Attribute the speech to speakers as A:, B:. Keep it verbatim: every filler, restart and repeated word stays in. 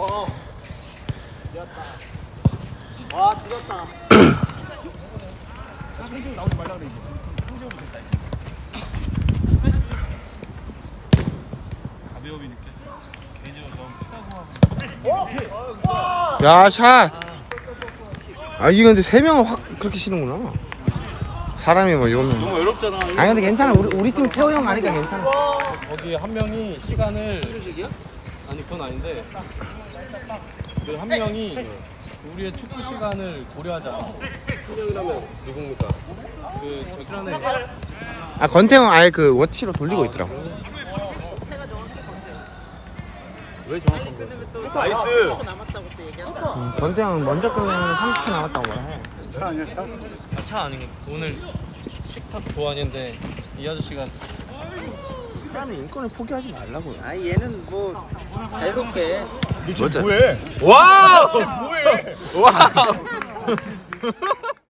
A: 와. 와, 죽었다.
B: 성지훈 나오지 말라 그래 이제. 성지훈 됐다 이제. 가벼움이 느껴져. 개인적으로 너무 패스하고
C: 야, 샷. 아, 이게 근데 세 명은 확 그렇게 치는구나. 사람이 뭐 이거면.
B: 너무 외롭잖아.
C: 아니 근데 괜찮아. 우리 우리 팀 태호 형 가니까 괜찮아.
D: 거기 한 명이 시간을 아니 그건 아닌데 그 한 명이 우리의 축구 시간을 고려하잖아. 한 명이라면 누굽니까? 그 저기라네.
C: 아, 건태 형 아예 그 워치로 돌리고 있더라고.
B: 왜 정확한 거야? 나이스.
A: 남았다고 또 얘기한다.
C: 음, 건태 형 먼저 끝내면 삼십 초 남았다고 말해.
B: 차 아니야 차?
D: 아, 차 아니겠. 오늘 식탁 도안인데 이 아저씨가
C: 나는 인권을 포기하지 말라고요.
A: 아, 얘는 뭐 자유롭게.
B: 너 지금
C: 맞아.
B: 뭐해?
C: 와!
B: 뭐해?
C: 와!